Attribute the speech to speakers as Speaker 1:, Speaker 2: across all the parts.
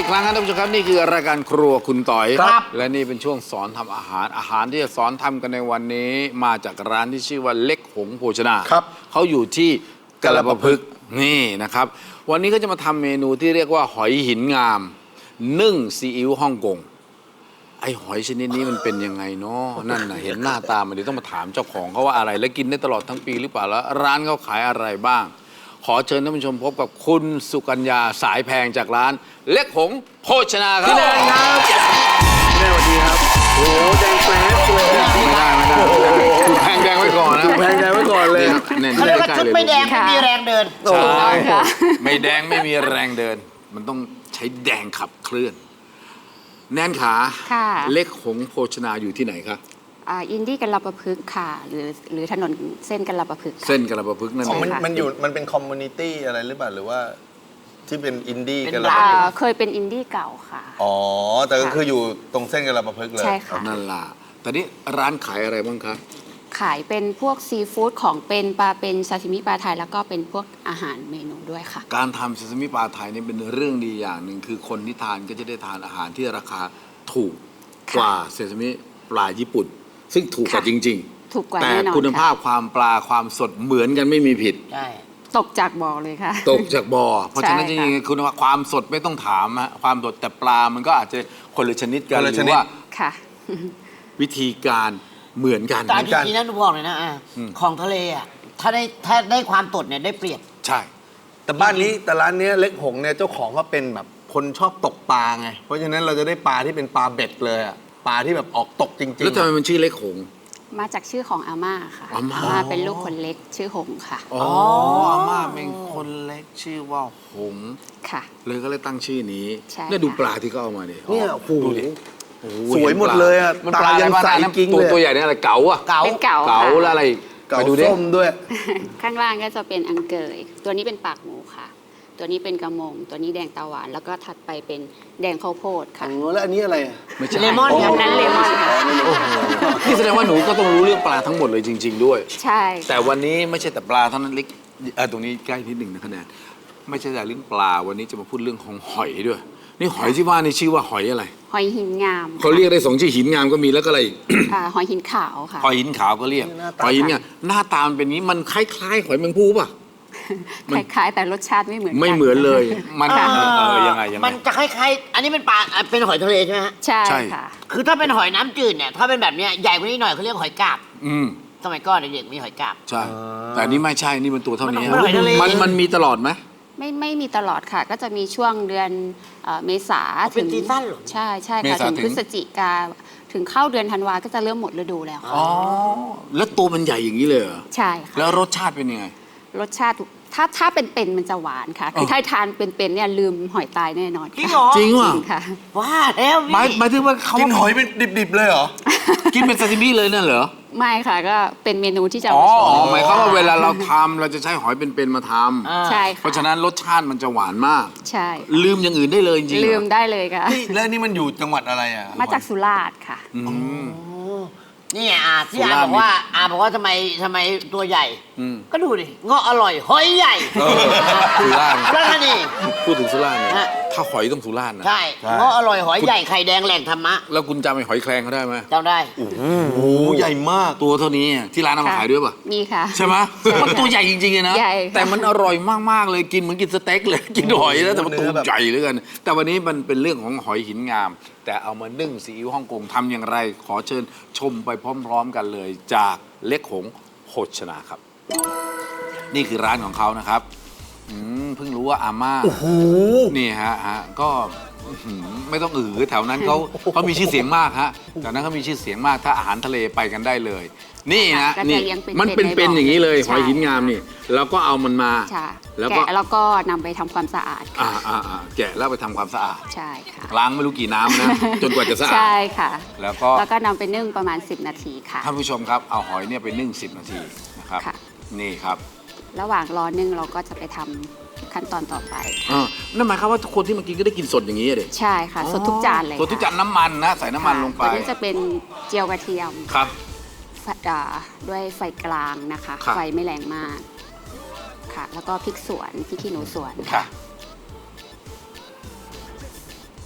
Speaker 1: อีกครั้งครับท่านผู้ชมครับนี่คือรายการครัวคุณต่อย
Speaker 2: ครับ
Speaker 1: และนี่เป็นช่วงสอนทำอาหารที่จะสอนทำกันในวันนี้มาจากร้านที่ชื่อว่าเล็กหงโภชนา
Speaker 2: ครับ
Speaker 1: เขาอยู่ที่กระปะพึกษ์นี่นะครับวันนี้ก็จะมาทำเมนูที่เรียกว่าหอยหินงามนึ่งซีอิ๊วฮ่องกงไอหอยชนิดนี้มันเป็นยังไงเนาะนั่นน่ะเห็นหน้าตามันเดี๋ยวต้องมาถามเจ้าของเขาว่าอะไรและกินได้ตลอดทั้งปีหรือเปล่าแล้วร้านเขาขายอะไรบ้าง ขอเชิญท่านผู้ชมพบกับคุณสุกัญญาสายแพงจากร้านเล็กหงโภชนาครับ
Speaker 2: พี่แดงครับแม่สวัสดีครับโอ้แดงแป๊บเลย
Speaker 1: ไม่ได้ถูกแพงแดงไว้ก่อนนะ
Speaker 2: ถูกแพงแดงไว้ก่อนเลย
Speaker 1: เนี่ย
Speaker 3: เขาเรียกว่าชุดไม่แดงไม่มีแรงเดิน
Speaker 2: โอ้
Speaker 1: ใช่
Speaker 2: ย
Speaker 1: ไม่แดงไม่มีแรงเดิน มันต้องใช้แดงขับเคลื่อน แนนขา
Speaker 4: ค่ะ
Speaker 1: เล็กหงโภชนาอยู่ที่ไหนคะ
Speaker 4: อินดี้กันลปะพึกษ์ค่ะ หรือถนนเส้นกันลปะพึกษ์ค่ะ
Speaker 1: เส้นกระประพฤกษ์นั่น
Speaker 2: อ๋อ
Speaker 1: เอง
Speaker 2: มันเป็นคอมมูนิตี้อะไรหรือเปล่าหรือว่าที่เป็นอินดี้
Speaker 3: เป็น
Speaker 2: กันละ
Speaker 3: ร้าน
Speaker 4: เคยเป็นอินดี้เก่าค่ะ
Speaker 2: อ๋อแต่ก็คืออยู่ตรงเส้นกันละประพฤกษ์เลย
Speaker 4: ใช่ค่ะ
Speaker 1: นั่นล่ะแต่นี่ร้านขายอะไรบ้างคะ
Speaker 4: ขายเป็นพวกซีฟู้ดของเป็นปลาเป็นซาซิมิปลาไทยแล้วก็เป็นพวกอาหารเมนูด้วยค่ะ
Speaker 1: การทำซาซิมิปลาไทยนี่เป็นเรื่องดีอย่างหนึ่งคือคนที่ทานก็จะได้ทานอาหารที่ราคาถูกกว่าซาซิมิปลาญี่ปุ่น ซึ่งถูกกว่า
Speaker 4: ค่ะ
Speaker 1: จริง
Speaker 4: ถูกกว่า
Speaker 1: แต่
Speaker 4: แน่นอน
Speaker 1: คุณภาพ
Speaker 4: ค่ะ
Speaker 1: ความปลาความสดเหมือนกันไม่มีผิด
Speaker 3: ใช่
Speaker 4: ตกจากบ่อเลยค่ะ
Speaker 1: ตกจากบ่อ เพราะฉะนั้นจ
Speaker 4: ใช่ค่ะ
Speaker 1: ริงๆคุณภาพความสดไม่ต้องถามฮะความสดแต่ปลามันก็อาจจะคนละชนิดกัน
Speaker 2: คน
Speaker 1: ห
Speaker 2: ละ
Speaker 1: รื
Speaker 2: ช
Speaker 1: อ
Speaker 2: นิด
Speaker 1: ว่า
Speaker 4: ค่ะ
Speaker 1: วิธีการเหมือนกัน
Speaker 3: แต่จริงๆนะหนูบอกเลยนะของทะเลอ่ะถ้าได้ความสดเนี่ยได้เปรียบ
Speaker 1: ใช่
Speaker 2: แต่บ้านนี้แต่ร้านเนี้ยเล็กหงเนี่ยเจ้าของก็เป็นแบบคนชอบตกปลาไงเพราะฉะนั้นเราจะได้ปลาที่เป็นปลาเบ็ดเลยอะปลาที่แบบออกตกจริงๆ
Speaker 1: แล้วทำไมมันชื่อเล็กหงส์
Speaker 4: มาจากชื่อของอาม่าค่ะ
Speaker 1: อาม่า
Speaker 4: เป็นลูกคนเล็กชื่อหงค่ะ
Speaker 1: อ๋ออาม่าเป็นคนเล็กชื่อว่าหงส์
Speaker 4: ค่ะ
Speaker 1: เลยก็เลยตั้งชื่อนี้
Speaker 4: ใช่
Speaker 1: เนี่ยดู
Speaker 4: ค่ะ
Speaker 1: ปลาที่เขาเอามาดิ
Speaker 2: เนี่ยโอ้โห
Speaker 1: ดูดิโอ้โ
Speaker 2: สวยหมดเลยอะ
Speaker 1: มันปลาอะไร
Speaker 2: ตายัง
Speaker 1: บ้าง
Speaker 2: ใส
Speaker 1: นะ
Speaker 2: กิ๊ง
Speaker 1: ตัว
Speaker 2: เลย
Speaker 1: ตัวใหญ่เนี่ยอะไรเก๋าอะ
Speaker 3: เก๋า
Speaker 4: เป็นเก๋า
Speaker 1: เก๋า
Speaker 4: ค่ะ
Speaker 1: แล้วอะไร
Speaker 2: เก๋า
Speaker 1: ไปดูดิ
Speaker 2: ส้มด้วย
Speaker 4: ข้างล่างก็จะเป็นอังเกย ตัวนี้เป็นปากหมูค่ะ ตัวนี้เป็นกระมง ตัวนี้แดงตาหวาน แล้วก็ถัดไปเป็นแดงข้าวโพดค่ะ
Speaker 2: อ๋อแล้วอันนี้อะไรอะ
Speaker 1: ไม่ใช่
Speaker 3: เลมอน
Speaker 4: อันนั้นเลมอนค่ะ
Speaker 1: นี่แสดงว่าหนูก็ต้องรู้เรื่องปลาทั้งหมดเลยจริง ๆ ด้วย
Speaker 4: ใช่
Speaker 1: แต่วันนี้ไม่ใช่แต่ปลาเท่านั้นเล็กตรงนี้ใกล้นิดหนึ่งนะคะแนนไม่ใช่แต่เรื่องปลาวันนี้จะมาพูดเรื่องของหอยด้วย นี่หอยที่ว่านี่ชื่อว่าหอยอะไร
Speaker 4: หอยหินงาม
Speaker 1: เขาเรียกได้สองชื่อหินงามก็มีแล้วก็อะไรอีก
Speaker 4: หอยหินขาวค่ะ
Speaker 1: หอยหินขาวก็เรียก
Speaker 2: หน้าตา
Speaker 1: หอยหินงามหน้าตามันเป็นอย่างนี้มันคล้ายๆหอยแมงภู่ป่ะ
Speaker 4: คล้ายๆ แต่รสชาติไม่เหมือนกั
Speaker 1: ไม่เหมือนเลย มัน
Speaker 3: เออ
Speaker 1: ยังไง
Speaker 3: มันจะคล้ายๆ อันนี้เป็นปลาเป็นหอยทะเลใช่ไหมฮะ
Speaker 4: ใช่
Speaker 1: ใช่
Speaker 4: ค่ะ
Speaker 3: คือถ้าเป็นหอยน้ำจืดเนี่ยถ้าเป็นแบบเนี้ยใหญ่กว่านี้หน่อยเขาเรียกหอยกาบ
Speaker 1: อืม
Speaker 3: สมัยก่อนเด็กๆมีหอยกาบ
Speaker 1: ใช่ แต่อันนี่ไม่ใช่นี่มันตัวเท่านี้
Speaker 3: มันหอยทะเล
Speaker 1: มันมีตลอดไหม
Speaker 4: ไม่มีตลอดค่ะ ก็จะมีช่วงเดือนเมษา
Speaker 3: เป็นซีซั่นเหรอ
Speaker 4: ใช่ค่ะถึงพฤศจิกาถึงเข้าเดือนธันวาก็จะเริ่มหมดฤดูแล้วค่ะ
Speaker 1: อ๋อแล้วตัวมันใหญ่อย่างนี้เลยเหรอ
Speaker 4: ใช่ค่ะ
Speaker 1: แล้วรสชาติเป็นยังไง
Speaker 4: รสชาติถ้าเป็นมันจะหวานค่ะ คือถ้าทานเป็นเนี่ยลืมหอยตายแน่นอน
Speaker 3: จริงเหรอ
Speaker 1: จริงว่ะ
Speaker 4: ค่ะ
Speaker 3: ว่าแล้ว
Speaker 1: หมายถึงว่าเขา
Speaker 2: กินหอยเป็นดิบๆเลยเหรอ
Speaker 1: กินเป็นซาซิมิเลยนั่นเหรอ
Speaker 4: ไม่ค่ะก็เป็นเมนูที่จะ
Speaker 1: อ๋อ
Speaker 4: มาโช
Speaker 1: อ๋อ
Speaker 4: ว์
Speaker 1: หมายความว่าเวลาเราทำเราจะใช้หอยเป็นๆมาทำ
Speaker 4: ใช่
Speaker 1: เพ
Speaker 4: ค่ะ
Speaker 1: ราะฉะนั้นรสชาติมันจะหวานมาก
Speaker 4: ใช่
Speaker 1: ลืมอย่างอื่นได้เลยจริงๆเหรอ
Speaker 4: ลืมได้เลยค่ะ
Speaker 2: นี่แล้วนี่มันอยู่จังหวัดอะไรอ่ะ
Speaker 4: มาจากสุราษฎร์ค่ะ
Speaker 1: อืม
Speaker 3: นี่ที่
Speaker 1: สุ
Speaker 3: อา
Speaker 1: ราษฎร์
Speaker 3: บอกว่าทำไมตัวใหญ่
Speaker 1: อืม
Speaker 3: ก็ดูดิเงาะอร่อยหอยใหญ่
Speaker 1: สุราษฎร์
Speaker 3: แล้วก็นี่
Speaker 1: พูดถึงสุราษฎร์เนี่ย
Speaker 3: ฮะ
Speaker 1: ถ้าหอยต้องสุราษฎร์นะ
Speaker 3: ใช่เงาะอร่อยหอยใหญ่ไข่แดงแหล่งธรรมะ
Speaker 1: แล้วคุณจำไอ้หอยแครงเขาได้ไหม
Speaker 3: จำได้
Speaker 2: โอ้โหใหญ่มาก
Speaker 1: ตัวเท่านี้ที่ร้านเอามา
Speaker 4: ค่ะ
Speaker 1: ขายด้วยป่ะ
Speaker 4: มีค่ะ
Speaker 1: ใช่ไหมมันตัวใหญ่จริงๆเลยนะ
Speaker 4: ใหญ่ค่ะ
Speaker 1: แต่มันอร่อยมากๆเลยกินเหมือนกินสเต็กเลย กินหอยแล้วแต่มัน
Speaker 2: เนื้
Speaker 1: ตัว
Speaker 2: อแบบ
Speaker 1: ใหญ่เหลือเกินแต่วันนี้มันเป็นเรื่องของหอยหินงาม แต่เอามานึ่งซีอิ๊วฮ่องกงทำอย่างไร ขอเชิญชมไปพร้อมๆกันเลย จากเล็กหงโภชนาครับ นี่คือร้านของเขานะครับเพิ่งรู้ว่าอาม่านี่ฮะก็อื้อหือไม่ต้องแถวนั้นเขามีชื่อเสียงมากฮะแถวนั้นเขามีชื่อเสียงมากถ้าอาหารทะเลไปกันได้เลย นี่นะ
Speaker 4: ก็จะ
Speaker 1: นี่
Speaker 4: เลี้ยงเป็น
Speaker 1: มันเป็นอย่างนี้เลย
Speaker 4: ใช่
Speaker 1: หอยหินงามนี่แล้วก็เอามันมา
Speaker 4: ใช่
Speaker 1: แล้วก็
Speaker 4: แกะแล้วก็นำไปทำความสะอาดค่ะ
Speaker 1: แกะแล้วไปทำความสะอาด
Speaker 4: ใช่ค่ะ
Speaker 1: ล้างไม่รู้กี่น้ำนะ จนกว่าจะสะอาด
Speaker 4: ใช่ค่ะ
Speaker 1: แล้วก็
Speaker 4: แล้วก็นำไปนึ่งประมาณ 10 นาทีค่ะ
Speaker 1: ท่านผู้ชมครับเอาหอยเนี่ยไปนึ่ง10 นาทีนะครับ
Speaker 4: ค่ะ
Speaker 1: นี่ครับ
Speaker 4: ระหว่างรอนึ่งเราก็จะไปทำขั้นตอนต่อไป
Speaker 1: นั่นหมายความว่าทุกคนที่มากินก็ได้กินสดอย่างนี้เลย
Speaker 4: ใช่ค่ะ สดทุกจานเลย
Speaker 1: สดทุกจานน้ำมันนะใส่น้ำมันลงไป
Speaker 4: ตัวนี้จะเป็นเจียวกระเทียม
Speaker 1: ครับ
Speaker 4: ด้วยไฟกลางนะคะ
Speaker 1: ครับ
Speaker 4: ไฟไม่แรงมากค่ะ แล้วก็พริกสวนพริกขี้หนูสวน
Speaker 1: ค่ะ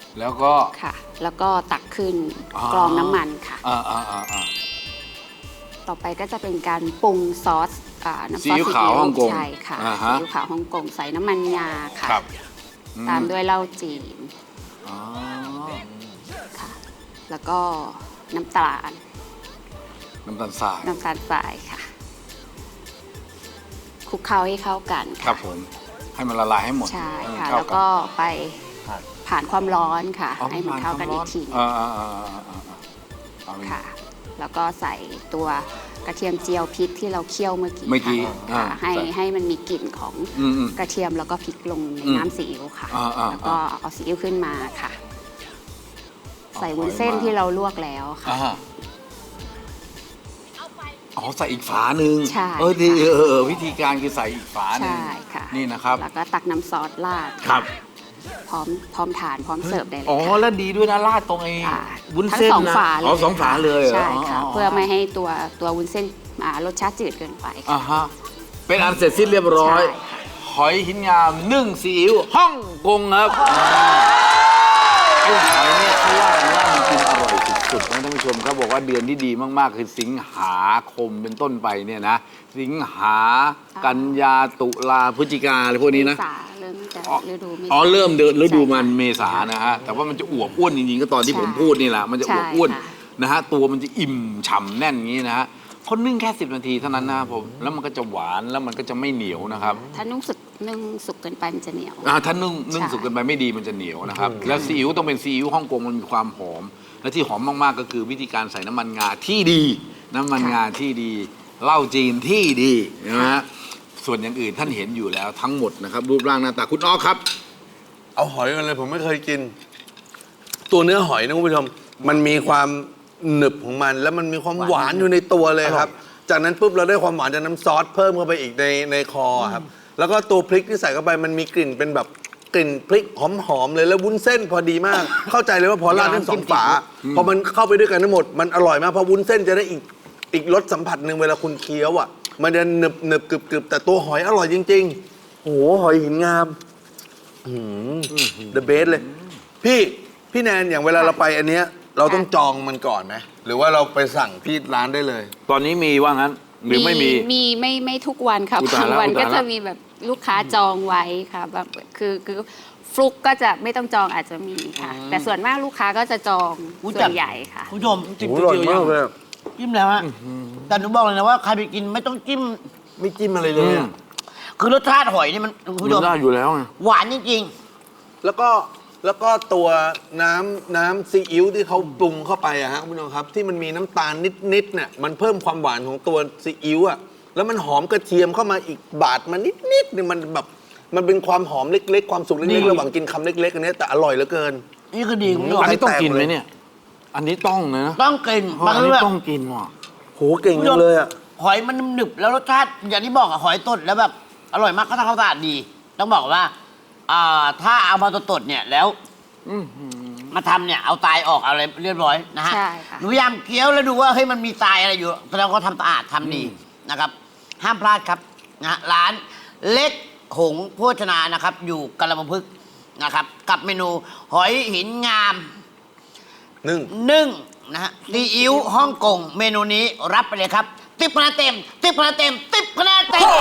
Speaker 1: แล้วก็
Speaker 4: ค่ะ แล้วก็ตักขึ้น
Speaker 1: อ๋อก
Speaker 4: รองน้ำมันค่ะ
Speaker 1: อ่า
Speaker 4: ต่อไปก็จะเป็นการปรุงซอสน้ำซอส
Speaker 1: ซีอิ๊วขาวฮ่องกง
Speaker 4: ใช่ค่ะ
Speaker 1: อ่า
Speaker 4: ซี
Speaker 1: ฮะ
Speaker 4: อิ๊วขาวฮ่องกงใส่น้ำมันงาค่ะ
Speaker 1: ครับ
Speaker 4: ตามด้วยเหล้าจีน
Speaker 1: อ๋อ
Speaker 4: ค่ะ แล้วก็น้ำตาล
Speaker 1: น้ำตาลทราย
Speaker 4: น้ำตาลทรายค่ะคลุกเคล้าให้เข้ากัน
Speaker 1: ครั
Speaker 4: ค่ะ
Speaker 1: บผมให้มันละลายให้หมด
Speaker 4: ใช่ค่ะ
Speaker 1: ให้มัน
Speaker 4: แล้ว
Speaker 1: เข้า
Speaker 4: ก็ไปผ่านความร้อนค่ะ
Speaker 1: อ๋อ
Speaker 4: ให้มันเข้ากันอีกทีหนึ่ง
Speaker 1: เอาเลย
Speaker 4: ค่ะ แล้วก็ใส่ตัวกระเทียมเจียวพริกที่เราเคี่ยวเมื่อกี้
Speaker 1: เมื่อกี้
Speaker 4: ค่ะ
Speaker 1: อ่า
Speaker 4: ให้
Speaker 1: ใส่
Speaker 4: ให้มันมีกลิ่นของ
Speaker 1: อืม
Speaker 4: กระเทียมแล้วก็พริกลงใน
Speaker 1: อืม
Speaker 4: น้ำซีอิ๊วค่ะ
Speaker 1: อ่า
Speaker 4: แล้วก็เอาซีอิ๊วขึ้นมาค่ะ
Speaker 1: เอา
Speaker 4: ใส่วุ้นเส้น
Speaker 1: หอยมา
Speaker 4: ที่เราลวกแล้วค่ะ
Speaker 1: อ๋อใส่อีกฝาหนึ่ง
Speaker 4: ใช่
Speaker 1: ดี
Speaker 4: ค่ะ
Speaker 1: วิธีการคือใส่อีกฝาหนึ่ง
Speaker 4: ใช่ค่ะ
Speaker 1: นี่นะครับ
Speaker 4: แล้วก็ตักน้ำซอสราด
Speaker 1: ครับ
Speaker 4: พร้อมทานพร้อมเสิร์ฟได้เลย
Speaker 1: อ๋อ
Speaker 4: ค่ะ
Speaker 1: แล้วดีด้วยนะราดตรงไอ้
Speaker 4: อ่า
Speaker 1: วุ้น
Speaker 4: ทั้ง
Speaker 1: เส้น
Speaker 4: สอง
Speaker 1: นะ
Speaker 4: ฝาเลย
Speaker 1: อ๋อสองฝาเลยเหรอ
Speaker 4: ใช่ค่ะ
Speaker 1: อ๋อ
Speaker 4: เพื่อไม่ให้ตัววุ้นเส้นรสชาติจืดเกินไปค่ะ
Speaker 1: อ่าฮะเป็นอันเสร็จสิ้นเรียบร้อย
Speaker 4: ใช่ค่ะ
Speaker 1: หอยหินงามนึ่งซีอิ๊วฮ่องกงครับไอ้หอยเนี่ยเขาว่ากันว่ามันกินอร่อยสุดๆนะท่านผู้ชมเขาบอกว่าเดือนที่ดีมากๆ คือสิงหาคมเป็นต้นไปเนี่ยนะ สิงหากันยาตุลาพฤศจิกาอะไรพวกนี้นะ
Speaker 4: เมษาเริ่มจะฤดูเมษา
Speaker 1: อ๋อเริ่มเดือนฤดูมัน
Speaker 4: ใช่ค่ะ
Speaker 1: เมษานะฮะแต่ว่ามันจะอวบอ้วนจริงๆก็ตอนที่
Speaker 4: ใช่
Speaker 1: ผมพูดนี่แหละมันจะอวบอ้วน
Speaker 4: ใช่ค่ะ
Speaker 1: นะฮะตัวมันจะอิ่มฉ่ำแน่นอย่างนี้นะฮะเขานึ่งแค่10 นาทีเท่านั้นนะครับผมแล้วมันก็จะหวานแล้วมันก็จะไม่เหนียวนะครับ
Speaker 4: ถ้านึ่งสุกเกินไปมันจะเหนียว
Speaker 1: ถ้านึ่ง
Speaker 4: ใช่
Speaker 1: สุกเกินไปไม่ดีมันจะเหนียวนะครับ แล้วซีอิ๊วต้องเป็นซีอิ๊วฮ่องกงมันมีความหอม และที่หอมมากๆก็คือวิธีการใส่น้ำมันงาที่ดี น้ำมันงาที่ดีเหล้าจีนที่ดีนะฮะส่วนอย่างอื่นท่านเห็นอยู่แล้วทั้งหมดนะครับรูปร่างหน้าตาคุณอ้อครับ
Speaker 2: เอาหอยกันเลยผมไม่เคยกิน ตัวเนื้อหอยนะคุณผู้ชมมันมีความหนึบของมัน แล้วมันมีความหวานอยู่ในตัวเลยครับ จากนั้นปุ๊บเราได้ความหวานจากน้ำซอสเพิ่มเข้าไปอีกในคอครับ แล้วก็ตัวพริกที่ใส่เข้าไปมันมีกลิ่นเป็นแบบกลิ่นพริกหอมๆเลยแล้ววุ้นเส้นพอดีมาก เข้าใจเลยว่าพอราดทั้งสองฝาพอมันเข้าไปด้วยกันทั้งหมดมันอร่อยมากเพราะวุ้นเส้นจะได้อีกรสสัมผัสหนึ่งเวลาคุณเคี้ยวอ่ะมันจะหนึบกรึบแต่ตัวหอยอร่อยจริงๆโอ้โหหอยหินงามthe best เลย พี่แนนอย่างเวลาเราไปอันเนี้ยเราต้องจองมันก่อนไหมหรือว่าเราไปสั่งที่ร้านได้เลย
Speaker 1: ตอนนี้มีว่างั้นหรือไม่มี
Speaker 4: ไม่ทุกวันค่ะ
Speaker 1: อุตส่าห์
Speaker 4: บางวัน
Speaker 1: แล้ว
Speaker 4: ก็
Speaker 1: อุตส่าห์
Speaker 4: จะมีแบบลูกค้าจองไว้ค่ะแบบคือฟลุกก็จะไม่ต้องจองอาจจะมีค่ะ แต่ส่วนมากลูกค้าก็จะจอง
Speaker 3: อุ๊ย
Speaker 4: ส่วนใหญ่ค่ะ
Speaker 3: คุณผู้ชม
Speaker 1: จิ้ม
Speaker 2: โอ้โหอร่อยมากเลยอะ
Speaker 3: จิ้มแล้วฮะแต่หนูบอกเลยนะว่าใครไปกินไม่ต้องจิ้ม
Speaker 2: ไม่จิ้มอะไรเลยอะ
Speaker 3: คือรสชาติหอยนี่มันคุณ
Speaker 1: มั
Speaker 3: ผู้ชม
Speaker 1: นได้อยู่แล้วไง
Speaker 3: หวานจริง
Speaker 2: แล้วก็ตัวน้ำซีอิ๊วที่เขาปรุงเข้าไปอะฮะคุณผู้ชมครับ ที่มันมีน้ำตาลนิดๆเนี่ยมันเพิ่มความหวานของตัวซีอิ๊วอะแล้วมันหอมกระเทียมเข้ามาอีกบาดมานิดๆเนี่ยมันแบบมันเป็นความหอมเล็กๆ ความสุขเล็กๆระหว่างกินคำเล็กๆอันเนี้ยแต่อร่อยเหลือเกิน
Speaker 3: ๆ นี่คือดีคุณผู้ชม
Speaker 1: อันนี้ต้องกินไหมเนี่ย อันนี้ต้องนะ
Speaker 3: ต้องกิน
Speaker 1: เพราะ
Speaker 3: บาง
Speaker 1: อัน
Speaker 3: เรื่
Speaker 1: นี้
Speaker 3: อง
Speaker 1: ต้องกินว่ะ
Speaker 2: โหเก่งจังเลยอะ
Speaker 3: หอยมันหนึบแล้วรสชาติอย่างที่บอกอะหอยตดแล้วแบบอร่อยมากก็ทำความสะอาดดี ต้องบอกว่าถ้าเอามาตดๆเนี่ยแล้วมาทำเนี่ยเอาตายออกเอาอะไรเรียบร้อยนะฮะ
Speaker 4: ใช่ค่ะ
Speaker 3: หนูพยายามเคี้ยวแล้วดูว่าเฮ้ยมันมีตายอะไรอยู่แสดงว่าเขาทำสะอาดทำดีนะครับ ห้ามพลาดครับนะร้านเล็กหงโภชนานะครับ อยู่กระมพึกษ์นะครับ กับเมนูหอยหินงาม นึ่งนะฮะซีอิ๊วฮ่องกงเมนูนี้รับไปเลยครับ10 คะแนนเต็ม10 คะแนนเต็ม10 คะแนนเต็ม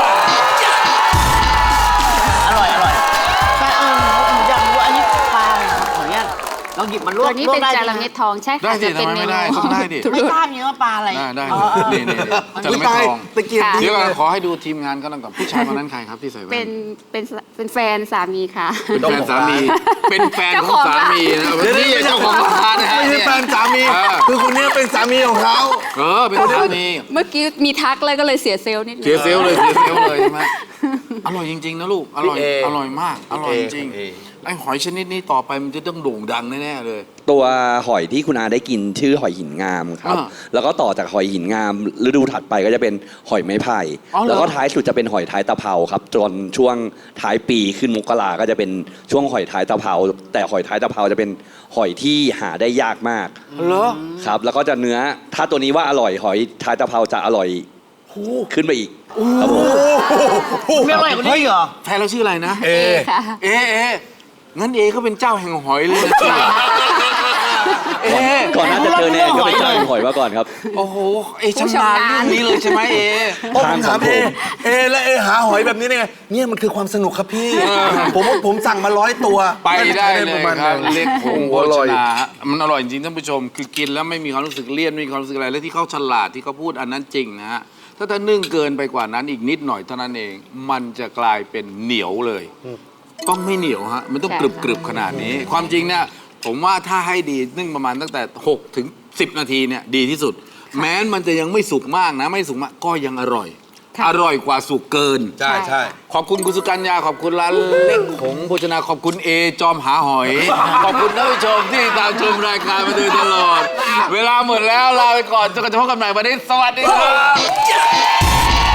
Speaker 3: อร่อยแต่ผมอยากรู้ว่าอันนี้ปลาอะไรครับขออนุญาตลองหยิบมันลว
Speaker 4: ตั
Speaker 3: ก
Speaker 4: วนี้
Speaker 3: ลวก
Speaker 4: เป็น
Speaker 3: ได้
Speaker 4: จา
Speaker 3: ไหม
Speaker 4: ระเม็ดทองใช่
Speaker 1: ได้
Speaker 4: ค่ะ
Speaker 1: สิ
Speaker 4: จะเป็น
Speaker 1: ทำไม
Speaker 4: เม
Speaker 1: ไม่
Speaker 4: นู
Speaker 1: ได้ต้องได้ดิ
Speaker 3: ไม่ทราบจริงว่าปลาอะไร
Speaker 1: ได้
Speaker 3: อ๋อ
Speaker 1: นี่จะไม่ทอง
Speaker 2: ตะเกียบ
Speaker 4: ค่ะ
Speaker 2: ดี
Speaker 1: เดี๋ยว
Speaker 2: เล
Speaker 1: ก่อน
Speaker 2: ย
Speaker 1: ขอให้ดูทีมงานก็ต้องกับผู้ชายคนนั้นใครครับที่ใส่แว่น
Speaker 4: เป็นแฟนสามีค่ะ
Speaker 1: เป็นแฟนสามี เป็นแฟนของสามีนะนี่เจ้าของร้านนะฮะ
Speaker 2: ไม่ใช่แฟนสามี
Speaker 1: เออ
Speaker 2: คือคนเนี้ยเป็นสามีของเขา
Speaker 1: เป็นสามี
Speaker 4: เมื่อกี้มีทักเลยก็เลยเสียเซลล์นิดนึง
Speaker 1: เสียเซลลเลยเสียเซลลเลยใช่ไหมอร่อยจริงๆนะลูก อร่อย
Speaker 2: พี่เอ
Speaker 1: อร่อยมาก อร่อยจริง
Speaker 2: พี่เอ
Speaker 1: ไอ้หอยชนิดนี้ต่อไปมันจะต้องโด่งดังแน่ๆเลย
Speaker 5: ตัวหอยที่คุณอาได้กินชื่อหอยหินงามครับ
Speaker 1: อ่า
Speaker 5: แล้วก็ต่อจากหอยหินงามฤดูถัดไปก็จะเป็นหอยไม้ไผ่
Speaker 1: อ๋อเหรอ
Speaker 5: แล้วก็ท้ายสุดจะเป็นหอยท้ายตะเภาครับจนช่วงท้ายปีขึ้นมกราก็จะเป็นช่วงหอยท้ายตะเภาแต่หอยท้ายตะเภาจะเป็นหอยที่หาได้ยากมาก
Speaker 1: เหรอ
Speaker 5: ครับ แล้วก็จะเนื้อถ้าตัวนี้ว่าอร่อยหอยท้ายตะเภาจะอร่อยขึ้นไปอีกครับผม
Speaker 3: ไม่อร่อยกว่านี้อีกเหรอ
Speaker 1: แฟนเราชื่ออะไรนะ
Speaker 2: เอ
Speaker 4: ค่ะ
Speaker 1: เองั้นเอก็เป็นเจ้าแห่งหอยเลยนะเอ
Speaker 5: ก่อนหน้าจะเจอแนนก็เป็นเจ้าแห่งหอยมาก่อนครับ
Speaker 1: โอ้โหเอชำนาญเรื่องนี้เลยใช่ไหมเอ
Speaker 2: โอ้ผมถามเอและเอหาหอยแบบนี้ได้ไงเนี่ยมันคือความสนุกครับพี่ ผมสั่งมา100 ตัว
Speaker 1: ไปได้เลย
Speaker 2: ประมาณ
Speaker 1: ครับ
Speaker 2: นั้น
Speaker 1: เล็กผงโภ
Speaker 2: อร่
Speaker 1: ช
Speaker 2: อย
Speaker 1: นาฮะมันอร่อยจริงท่านผู้ชม คือกินแล้วไม่มีความรู้สึกเลี่ยนไม่มีความรู้สึกอะไรและที่เขาฉลาดที่เขาพูดอันนั้นจริงนะฮะถ้านึ่งเกินไปกว่านั้นอีกนิดหน่อยเท่านั้นเอง มันจะกลายเป็นเหนียวเลย ต้องไม่เหนียวฮะมันต้อง
Speaker 4: ใช่
Speaker 1: กรึบกรึบขนาดนี้ ความจริงเนี่ยผมว่าถ้าให้ดีนึ่งประมาณตั้งแต่6 ถึง 10 นาทีเนี่ยดีที่สุด แม้มันจะยังไม่สุกมากนะไม่สุกมากก็ยังอร่อย
Speaker 4: ค่ะ
Speaker 1: อร่อยกว่าสุกเกิน
Speaker 2: ใช่ใช่
Speaker 1: ขอบคุณคุณสุกัญญาขอบคุณร้านเล็กหงโภชนาขอบคุณเอจอมหาหอย ขอบคุณท่านผู้ชมที่ตามชมรายการมาโดยตลอด เวลาหมดแล้วลาไปก่อนจนกระทั่งพบกันใหม่วันนี้สวัสดีครับ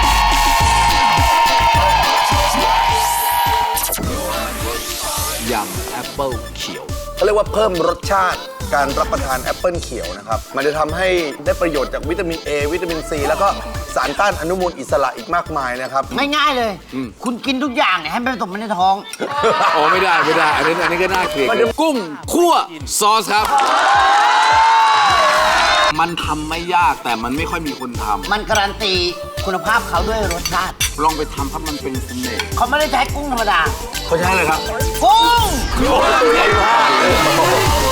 Speaker 1: ยำแอปเปิลเขียว
Speaker 2: เขาเรียกว่าเพิ่มรสชาติการรับประทานแอปเปิลเขียวนะครับ มันจะทำให้ได้ประโยชน์จากวิตามิน A วิตามิน C แล้วก็สารต้านอนุมูลอิสระอีกมากมายนะครับ
Speaker 3: ง่ายๆเลย คุณกินทุกอย่างเนี่ยให้มันผสมในท้อง
Speaker 1: โอ้ไม่ได้ไม่ได้อันนี้ก็น่าเกลียดกุ้งคั่วซอสครับ มันทำไม่ยากแต่มันไม่ค่อยมีคนทำ
Speaker 3: มันการันตีคุณภาพเขาด้วยรสชาติ
Speaker 1: ลองไปทำครับมันเป็นเสน่ห์
Speaker 3: เขาไม่ได้ใช้กุ้งธรรมดา
Speaker 2: เขาใช้อะไรครับ
Speaker 3: กุ้ง
Speaker 2: ใหญ่มาก